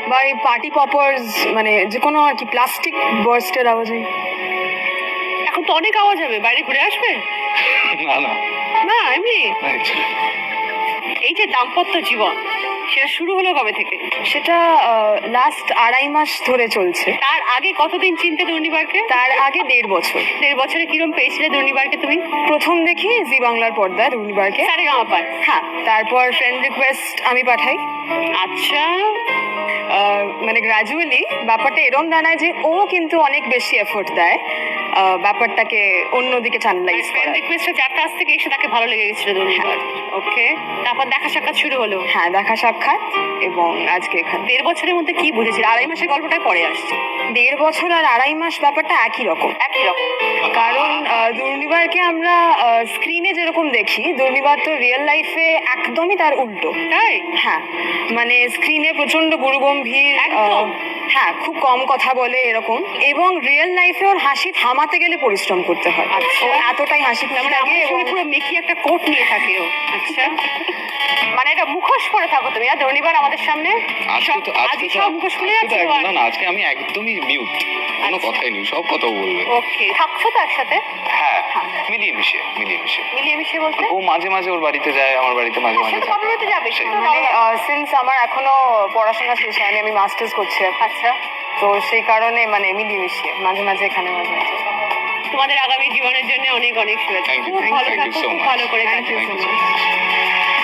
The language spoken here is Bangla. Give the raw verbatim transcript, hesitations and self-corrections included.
বা এই পার্টি পপার্স, মানে যে কোনো আর কি প্লাস্টিক বার্স্টের আওয়াজে। এখন তো অনেক আওয়াজ হবে, বাইরে ঘুরে আসবে? না না না এমনি না, actually। এই যে দাম্পত্য জীবন, সেটা শুরু হলো কবে থেকে? সেটা লাস্ট আড়াই মাস ধরে চলছে। তার আগে কতদিন চিনতে দুর্নিবারকে? তার আগে দেড় বছর। দেড় বছরে কিরম পেয়েছিলে দুর্নিবারকে তুমি? প্রথম দেখি জি বাংলার পর্দায় দুর্নিবারকে। সারেগামাপায়? হ্যাঁ, তারপর ফ্রেন্ড রিকোয়েস্ট আমি পাঠাই। আচ্ছা, আহ, মানে গ্র্যাজুয়ালি ব্যাপারটা এরম দাঁড়ায় যে ও কিন্তু অনেক বেশি এফোর্ট দেয় আহ, ব্যাপারটাকে অন্যদিকে চ্যানেলাইজ ফ্রেন্ড করা। রিকোয়েস্টে যার কাছ থেকে এসে তাকে ভালো লেগে গেছিল দুর্নিবার। ওকে, তারপর দেখা সাক্ষাৎ শুরু হলো। হ্যাঁ, দেখা সাক্ষাৎ এবং আজকে এখানে। দেড় বছরের মধ্যে কি বুঝেছিল? আড়াই মাসের গল্পটা পরে আসছে। দেড় বছর আর আড়াই মাস ব্যাপারটা একই রকম। একই রকম। কারণ আহ, দুর্নিবারকে আমরা স্ক্রিনে যেরকম দেখি, দুর্নিবার তো রিয়েল লাইফে একদমই তার উল্টো। তাই? হ্যাঁ, মানে স্ক্রিনে প্রচন্ড গুরুগম্ভীর, একদম। আহ, হ্যাঁ খুব কম কথা বলে এরকম, এবং রিয়েল লাইফে ওর হাসি থামাতে গেলে পরিশ্রম করতে হয়। আচ্ছা। ও এতটাই হাসি মানে থাকে আমার এবং শুনে পুরো মেকি একটা কোট নিয়ে থাকে ও। আচ্ছা, মানে এটা মুখোশ পরে থাকো তুমি আর দুর্নিবার আমাদের সামনে? আজকে তো আজকে আজকে তো সব মুখোশ খুলে আজকে তো যাচ্ছে? এক- না না, আজকে আমি একদমই মিউট, কোনো আচ্ছা। কথাই নেই, সব কথা ও বলবে। ওকে, থাকছো তো একসাথে? হ্যাঁ, মিলিয়ে মিশে মিলিয়ে মিশে মিলিয়ে মিশিয়ে বলতে? ও মাঝে মাঝে ওর বাড়িতে যায়, আমার বাড়িতে মাঝে মাঝে সে তো যায়। বাবার বাড়িতে যাবে, সে তো মানে বাবার- সিন্স আমার এখনো পড়াশোনা শেষ হয়নি, আমি মাস্টার্স করছি এখন। আচ্ছা, তো সেই কারণে মানে মিলিয়ে মিশিয়ে মাঝে মাঝে এখানে মাঝে মাঝে। তোমাদের আগামী জীবনের জন্য অনেক অনেক শুভেচ্ছা। Thank you, খুব thank you, ভালো thank you থাকো, so খুব much. ভালো করে Thank you কাটিও। so much.